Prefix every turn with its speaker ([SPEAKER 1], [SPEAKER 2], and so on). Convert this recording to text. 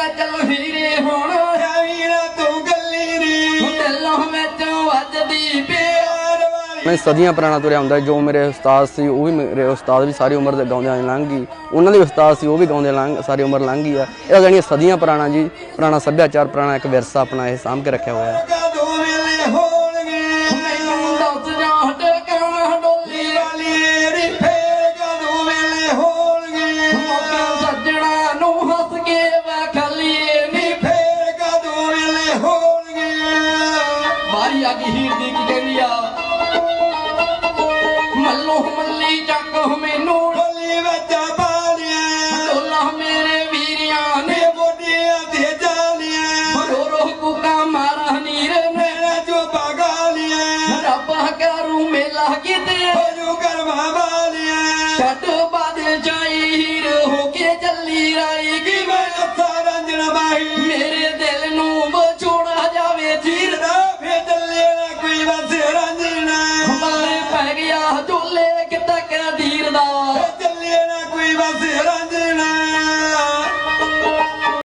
[SPEAKER 1] ਲੈ ਚਲੋ ਹੀਰੇ ਹੁਣ
[SPEAKER 2] ਵੀਰਾ ਤੂੰ ਗੱਲੀ ਨੀ
[SPEAKER 1] ਦਿਲੋਂ ਵਿੱਚੋਂ ਵੱਜਦੀ ਪਿਆਰ
[SPEAKER 3] ਮੈਂ ਸਦੀਆਂ ਪੁਰਾਣਾ ਤੁਰਿਆ ਹੁੰਦਾ ਜੋ ਮੇਰੇ ਉਸਤਾਦ ਸੀ ਉਹ ਵੀ ਮੇਰੇ ਉਸਤਾਦ ਵੀ ਸਾਰੀ ਉਮਰ ਦੇ ਗਾਉਂਦਿਆਂ ਲੰਘ ਗਈ ਉਹਨਾਂ ਦੇ ਉਸਤਾਦ ਸੀ ਉਹ ਵੀ ਗਾਉਂਦੇ ਸਾਰੀ ਉਮਰ ਲੰਘ ਗਈ ਆ ਇਹ ਜਾਣੀ ਸਦੀਆਂ ਪੁਰਾਣਾ ਜੀ ਪੁਰਾਣਾ ਸੱਭਿਆਚਾਰ ਪੁਰਾਣਾ ਇੱਕ ਵਿਰਸਾ ਆਪਣਾ ਇਹ ਸਾਂਭ ਕੇ ਰੱਖਿਆ ਹੋਇਆ
[SPEAKER 2] ਕਦੋਂ ਵੇਲੇ ਹੋਣਗੇ
[SPEAKER 1] ਮੈਨੂੰ ਦੱਸ ਜਾਂ ਟੇਕਾਂ ਡੋਲੀ
[SPEAKER 2] ਵਾਲੀ ਰੀ ਫੇਰ ਕਦੋਂ ਵੇਲੇ ਹੋਣਗੇ
[SPEAKER 1] ਮੌਕੇ ਸੱਜਣਾ ਨੂੰ ਹੱਸ ਕੇ ਵੇਖ ਲਈਏ ਨੀ
[SPEAKER 2] ਫੇਰ ਕਦੋਂ ਵੇਲੇ ਹੋਣਗੇ
[SPEAKER 1] ਵਾਰੀ ਆ ਗਈ